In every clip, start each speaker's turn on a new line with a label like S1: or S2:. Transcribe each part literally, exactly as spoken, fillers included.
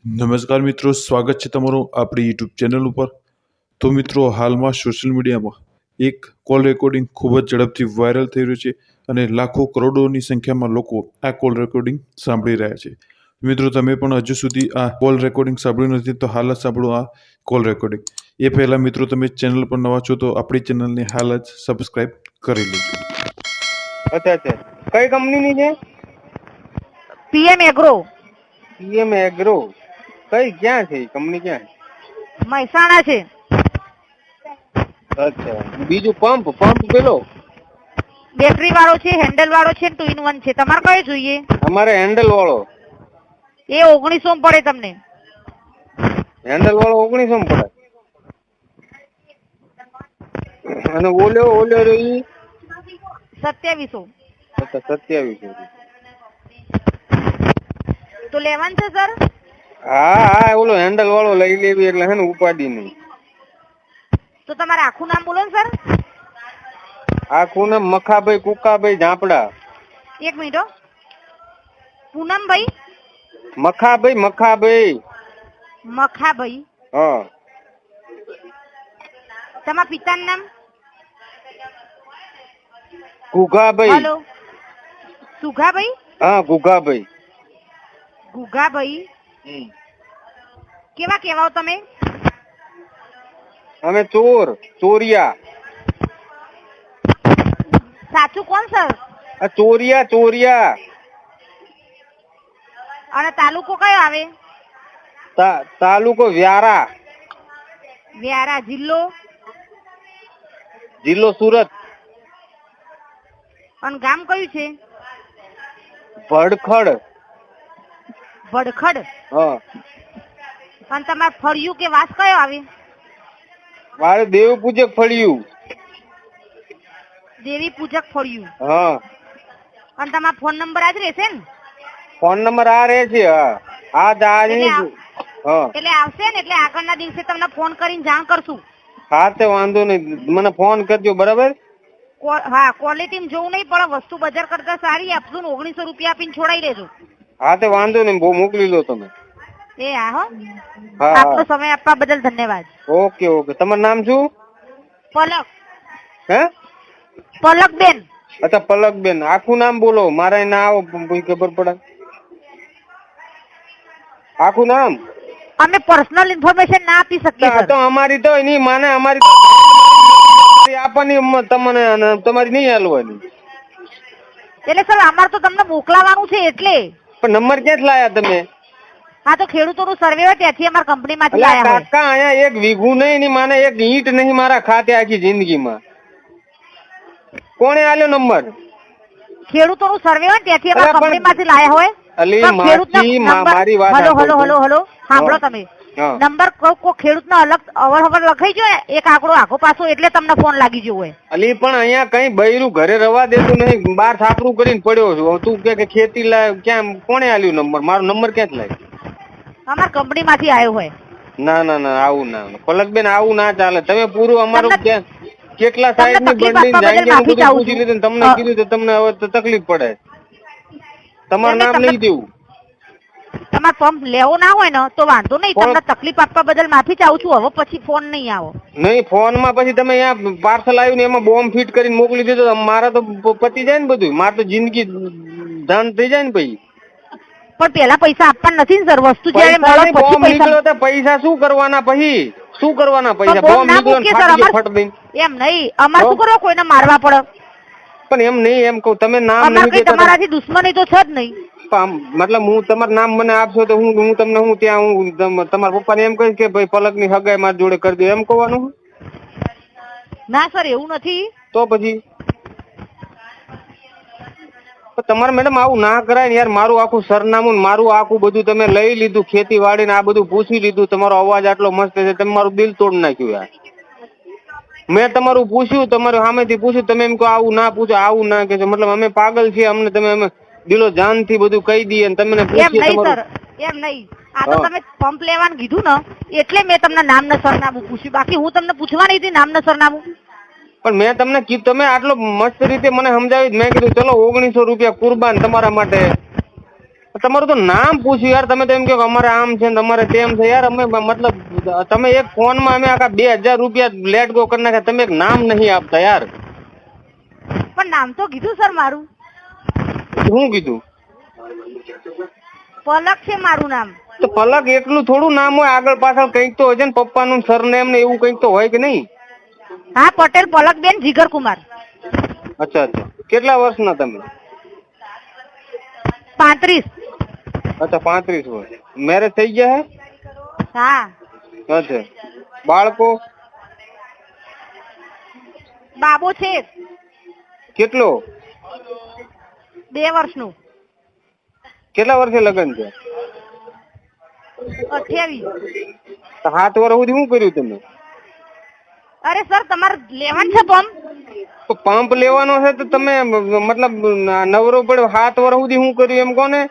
S1: નમસ્કાર મિત્રો, સ્વાગત છે તમારું આપણી યુટ્યુબ ચેનલ ઉપર। તો મિત્રો, હાલમાં સોશિયલ મીડિયામાં એક કોલ રેકોર્ડિંગ ખૂબ જ ઝડપથી વાયરલ થઈ રહ્યું છે અને લાખો કરોડોની સંખ્યામાં લોકો આ કોલ રેકોર્ડિંગ સાંભળી રહ્યા છે। મિત્રો, તમે પણ હજુ સુધી આ કોલ રેકોર્ડિંગ સાંભળ્યું નથી તો હાલ જ સાંભળો આ કોલ રેકોર્ડિંગ। એ પહેલા મિત્રો, તમે ચેનલ પર નવા છો તો આપણી ચેનલને હાલ જ સબસ્ક્રાઇબ કરી લેજો।
S2: અચ્છા અચ્છા કઈ કંપનીની છે?
S3: પીએમ એગ્રો
S2: પીએમ એગ્રો કઈ ક્યાં છે? કંપની ક્યાં છે?
S3: મહેસાણા છે।
S2: અચ્છા, બીજું પંપ પંપ પેલો
S3: બેટરી વાળો છે, હેન્ડલ વાળો છે, ટુ ઇન વન છે। તમારે કયો જોઈએ?
S2: અમારે હેન્ડલ વાળો।
S3: એ ઓગણીસો માં પડે તમને।
S2: હેન્ડલ વાળો ઓગણીસો માં પડે અને ઓલ્યો ઓલ્યો રહ્યો ઈ
S3: સત્યાવીસો।
S2: અચ્છા સત્યાવીસો।
S3: તો લેવાનું છે સર?
S2: હા હા ઓલો હેન્ડલ વાળો લઈ લેવી એટલે હે ને ઉપાડી નહીં।
S3: તો તમારે આખું નામ બોલો ને સર।
S2: આખું નામ મખાભાઈ કુકાભાઈ ઝાપડા।
S3: એક મિનિટ હો। પૂનમભાઈ
S2: મખાભાઈ મખાભાઈ
S3: મખાભાઈ।
S2: હા।
S3: તમારા પિતાનું નામ?
S2: ગુગાભાઈ।
S3: હેલો, સુઘાભાઈ?
S2: હા ગુગાભાઈ।
S3: ગુગાભાઈ કેવા કેવાઓ તમે?
S2: અમે ચોર ચોરિયા।
S3: સાચું કોણ સર?
S2: આ ચોરિયા ચોરિયા।
S3: અને તાલુકો કયો આવે?
S2: તા- તાલુકો વ્યારા,
S3: વ્યારા। જિલ્લો?
S2: જિલ્લો સુરત।
S3: અને ગામ કયું છે?
S2: ભડખડ।
S3: ભડખડ।
S2: હા।
S3: અને તમારે ફળિયું કે વાસ કયો આવે?
S2: મારે દેવ પૂજક ફળિયું।
S3: દેવી પૂજક ફળિયું।
S2: હા।
S3: અને તમારો ફોન નંબર આજ રહેશે ને?
S2: ફોન નંબર આ રહે છે। હા આ જ આ જ
S3: એટલે
S2: નહીં। હા
S3: એટલે આવશે ને એટલે આગળના દિવસે તમને ફોન કરીને જાણ કરશું।
S2: હા તે વાંધો નહીં, મને ફોન કરજો બરાબર।
S3: કો- હા, ક્વોલિટી જોવું નહીં પડે, વસ્તુ બજાર કરતા સારી આપશું ને ઓગણીસો રૂપિયા આપીને છોડાઈ દેજો।
S2: હા તે વાંધો નહીં, બહુ મોકલી લો તમે।
S3: એ હા હો।
S2: હા
S3: આપનો
S2: હા
S3: સમય આપવા બદલ ધન્યવાદ।
S2: Okay okay. તમારું નામ શું?
S3: પલક
S2: હે?
S3: પલક બેન।
S2: અચ્છા પલકબેન। આખું નામ બોલો, મારે ના આવો કોઈ ખબર પડે। આખું નામ?
S3: અમે પર્સનલ ઇન્ફોર્મેશન ના આપી શકીએ
S2: આ
S3: સર।
S2: તો અમારી તો એની માને અમારી આપવાની મ- તમને અને તમારી નહીં હાલવાની।
S3: એટલે સર અમારે તો તમને મોકલાવાનું છે એટલે।
S2: પણ નંબર ક્યાંથી લાયા તમે?
S3: હા, તો ખેડૂતોનું સર્વે હોય ત્યાંથી અમારી કંપનીમાંથી
S2: અલા
S3: લાયા હોય।
S2: કાકા અહીંયા એક વીઘું નહીં એની માને એક ઈંટ નહીં મારા ખાતે આખી જિંદગીમાં। કોણે આલ્યો નંબર?
S3: ખેડૂતોનું સર્વે હોય ત્યાંથી
S2: અલા,
S3: અમારી
S2: પણ-
S3: કંપનીમાંથી લાયા હોય।
S2: અલી
S3: પણ ખેડૂતના
S2: માસી, મા-
S3: નંબર-
S2: મારી વાત
S3: હલો હલો
S2: સાંભળો.
S3: હલો હલો સાંભળો
S2: હા.
S3: તમે।
S2: હા
S3: નંબર કોઈ કોઈ ખેડૂતનો અલગ અવર હવર લખાઈ ગયો ને એક આંકડો આખો પાછો એટલે તમને ફોન લાગી ગયો હોય।
S2: અલી પણ અહીંયા કઈ બૈરું ઘરે રવા દેતું નહીં, બાર છાપરું કરીને પડ્યો છું। તું કે કે ખેતી લાય, ક્યાં કોણે આલ્યું નંબર? મારો નંબર ક્યાંથી લાગ્યો?
S3: અમારી કંપનીમાંથી આવ્યો હોય।
S2: ના ના ના આવું ના, પલકબેન આવું ના ચાલે। તમે પૂરું અમારું
S3: તમને-
S2: ક્યાં કેટલા
S3: તમને
S2: સાહેબ ની
S3: તકલીફ
S2: બંડી
S3: આપવા બદલ
S2: જાંગીને
S3: માફી
S2: બધું
S3: ચાહું
S2: પૂછી
S3: છું।
S2: લીધું ને તમને
S3: હા.
S2: કીધું તો તમને હવે તો તકલીફ પડે। તમારું
S3: એટલે
S2: નામ
S3: તમને-
S2: નહીં દેવું।
S3: તમારે પંપ લેવો ના હોય ને તો વાંધો નહીં,
S2: પણ-
S3: તમને તકલીફ આપવા બદલ માફી ચાહું છું। હવે પછી ફોન નહીં આવો।
S2: નહીં ફોન માં પછી તમે અહીંયા પાર્સલ આવ્યું ને એમાં બોમ્બ ફિટ કરીને મોકલી દીધો તો મારા તો પ- પતી જાય ને બધું, મારે તો જિંદગી ધાન થઈ જાય ને પછી।
S3: પણ પેલા પૈસા આપવા નથી ને સર, વસ્તુ જયારે
S2: પૈસા
S3: મળે
S2: નહીં,
S3: પછી
S2: બોમ્બ
S3: પૈસા।
S2: નીકળ્યો તો પૈસા શું કરવાના પછી? શું કરવાના પૈસા?
S3: પણ બોમ્બ
S2: બોમ્બ
S3: ના
S2: નીકળ્યો ને
S3: મૂકીએ સર,
S2: ફાટી ગયો
S3: અમાર-
S2: ફટ દઈને।
S3: એમ નહીં, અમારે શું
S2: તો?
S3: કરવા કોઈને મારવા પડે?
S2: પણ એમ નહીં, એમ કહું તમે નામ
S3: અમારે
S2: નહીં
S3: કઈ
S2: દેતા તો-
S3: તમારાથી દુશ્મની તો છે જ નહીં।
S2: આમ મતલબ હું તમારું નામ મને આપશો તો હું હું તમને હું ત્યાં હું તમ- તમારા પપ્પાને એમ કહીશ કે ભાઈ પલક ની હગાઈ મારી જોડે કરી દો, એમ કહેવાનું?
S3: ના સર, એવું નથી।
S2: તો પછી પણ તમારે મેડમ આવું ના કરાય ને યાર। મારું આખું સરનામું ને મારું આખું બધું તમે લઈ લીધું, ખેતીવાડી ને આ બધું પૂછી લીધું, તમારો અવાજ આટલો મસ્ત છે, તમે મારું દિલ તોડ નાખ્યું યાર। મેં તમારું પૂછ્યું, તમારું સામેથી પૂછ્યું, તમે એમ કહો આવું ના પૂછો, આવું ના કે મતલબ અમે પાગલ છીએ, અમને તમે અમે દિલો જાન થી બધું કહી દઈએ ને તમને
S3: એમ
S2: પૂછીએ
S3: નહીં
S2: તમારું
S3: સર, એમ નહીં। આ તો
S2: હા.
S3: તમે પંપ લેવાનું કીધું ને એટલે મેં તમને નામ ને સરનામું પૂછ્યું, બાકી હું તમને પૂછવાની હતી નામ ને સરનામું।
S2: પણ મેં તમને કીધું, તમે આટલો મસ્ત રીતે મને સમજાવી, મેં કીધું ચલો ઓગણીસો રૂપિયા કુરબાન તમારા માટે। તમારું તો નામ પૂછ્યું યાર, તમે તો એમ કહો કે અમારે આમ છે ને તમારે તેમ છે યાર. અમે મતલબ તમે એક ફોનમાં અમે આખા બે હજાર રૂપિયા લેટ ગો કરી નાખ્યા, તમે એક નામ નહીં આપતા યાર.
S3: પણ નામ તો કીધું સર મારું.
S2: શું કીધું?
S3: પલક છે મારું નામ.
S2: તો પલક એટલું થોડું નામ હોય, આગળ પાછળ કંઈક તો હોય છે ને, પપ્પાનું સરનેમ ને એવું કંઈક તો હોય કે નહીં?
S3: હા, પટેલ પલકબેન જીગરકુમાર.
S2: અચ્છા અચ્છા, કેટલા વર્ષના તમે?
S3: પાંત્રીસ.
S2: અચ્છા, પાંત્રીસ વર્ષ. મેરેજ થઈ ગયા હે?
S3: હા.
S2: અચ્છા, બાળકો?
S3: બાબો છે
S2: કેટલો?
S3: બે વર્ષનું.
S2: કેટલા વર્ષે લગ્ન છે?
S3: અઠ્યાવીસ.
S2: સાત વર્ષ સુધી શું કર્યું તમે?
S3: અરે સર, તમારે લેવાનું છે પંપ?
S2: તો પંપ લેવાનો છે તો તમે મતલબ નવરો પડ્યો સાત વર્ષ સુધી શું કર્યું એમ કોને?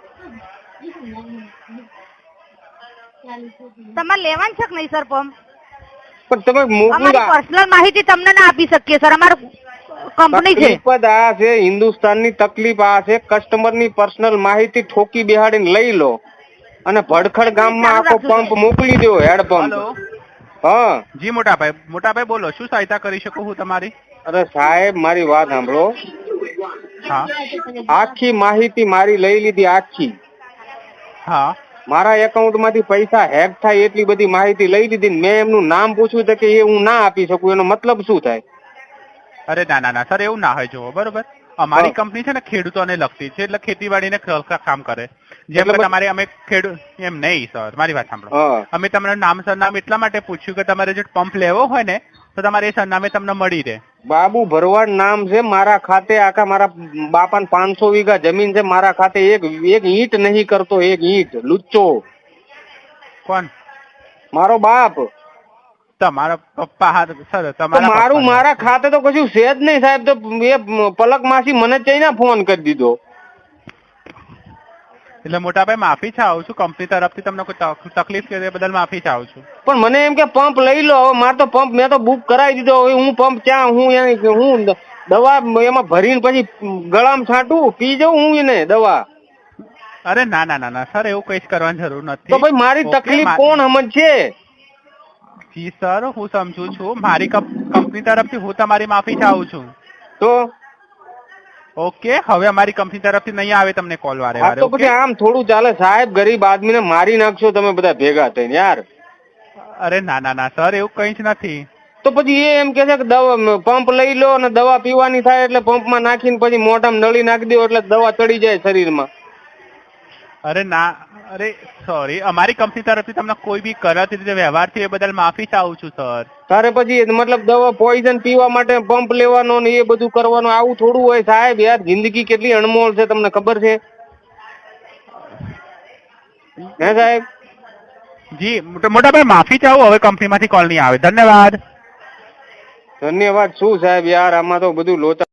S3: તમારે લેવાનું છે કે નહીં સર પંપ?
S2: પણ તમે મોકલું
S3: પર્સનલ માહિતી તમને ના આપી શકીએ સર, અમારું કંપની છે.
S2: તકલીફ આ છે, હિન્દુસ્તાનની તકલીફ આ છે, કસ્ટમરની પર્સનલ માહિતી ઠોકી બેહાડીને લઈ લો અને ભડખડ ગામમાં આખો પંપ મોકલી દો, હેડ પંપ. હા
S4: જી મોટાભાઈ. મોટાભાઈ બોલો, શું સહાયતા કરી શકું હું તમારી?
S2: અરે સાહેબ, મારી વાત સાંભળો.
S4: હા
S2: આખી માહિતી મારી લઈ લીધી, આખી.
S4: હા
S2: મારા એકાઉન્ટ માંથી પૈસા હેક થાય એટલી બધી માહિતી લઈ લીધી. મેં એમનું નામ પૂછ્યું તો કે એ હું ના આપી શકું. એનો મતલબ શું થાય?
S4: અરે ના ના ના સર, એવું ના હોય. જુઓ બરોબર, અમારી કંપની છે ને ખેડૂતોને લગતી છે, એટલે ખેતીવાડીને કામ કરે. જેમ કે તમારે અમે ખેડૂત એમ નહીં સર, મારી વાત સાંભળો. અમે તમને નામ સરનામ એટલા માટે પૂછ્યું કે તમારે જો પંપ લેવો હોય ને તો તમારે એ સરનામે તમને મળી રહે.
S2: બાબુ ભરવાડ નામ છે, મારા ખાતે આખા મારા બાપાને પાંચસો વીઘા જમીન છે, મારા ખાતે એક એક ઈંટ નહીં કરતો, એક ઈંટ. લુચ્ચો.
S4: કોણ?
S2: મારો બાપ.
S4: તમારા પપ્પા? સર
S2: તો
S4: તમારા
S2: મારું મારા ખાતે તો કશું છે જ નહીં સાહેબ. તો એ પલક માસી મને ચઈને ફોન કરી દીધો.
S4: એટલે મોટાભાઈ માફી ચાહું છું, કંપની તરફથી તમને કોઈ તક- તકલીફ કે બદલ માફી ચાહું છું.
S2: પણ મને એમ કે પંપ લઈ લો. હવે મારે તો પંપ મેં તો બુક કરાવી દીધો. હવે હું પંપ ક્યાં હું એની હું દવા એમાં ભરીને પછી ગળામાં છાંટું પી જાઉં હું એને દવા?
S4: અરે ના ના ના ના સર, એવું કઈ જ કરવાની જરૂર નથી.
S2: તો ભાઈ મારી
S4: ઓકે,
S2: તકલીફ
S4: મા-
S2: કોણ સમજશે?
S4: જી સર, હું સમજુ છું. મારી કંપની તરફથી હું તમારી માફી ચાહું છું.
S2: તો
S4: ઓકે, હવે અમારી કંપની તરફથી નહીં આવે તમને કોલ વારે
S2: હા
S4: વારે.
S2: તો પછી આમ થોડું ચાલે સાહેબ? ગરીબ આદમીને મારી નાખશો તમે બધા ભેગા થઈને યાર.
S4: અરે ના ના ના સર, એવું કઈ જ નથી.
S2: તો પછી એ એમ કે છે કે દવા પંપ લઈ લો અને દવા પીવાની થાય એટલે પંપમાં નાખીને પછી મોઢામાં નળી નાખી દો એટલે દવા ચડી જાય શરીરમાં.
S4: અરે ના, અરે સોરી, અમારી કંપની તરફથી તમને કોઈ બી ગલત રીતે વ્યવહાર થયો એ બદલ માફી ચાહું છું સર.
S2: તારે પછી મતલબ દવા પોઈઝન પીવા માટે પંપ લેવાનો ને એ બધું કરવાનું, આવું થોડું હોય સાહેબ યાર? જિંદગી કેટલી અણમોલ છે તમને ખબર છે? હે સાહેબ?
S4: જી મોટાભાઈ માફી ચાહું, હવે કંપનીમાંથી કોલ નહીં આવે. ધન્યવાદ.
S2: ધન્યવાદ શું સાહેબ યાર, આમાં તો બધું લોચા.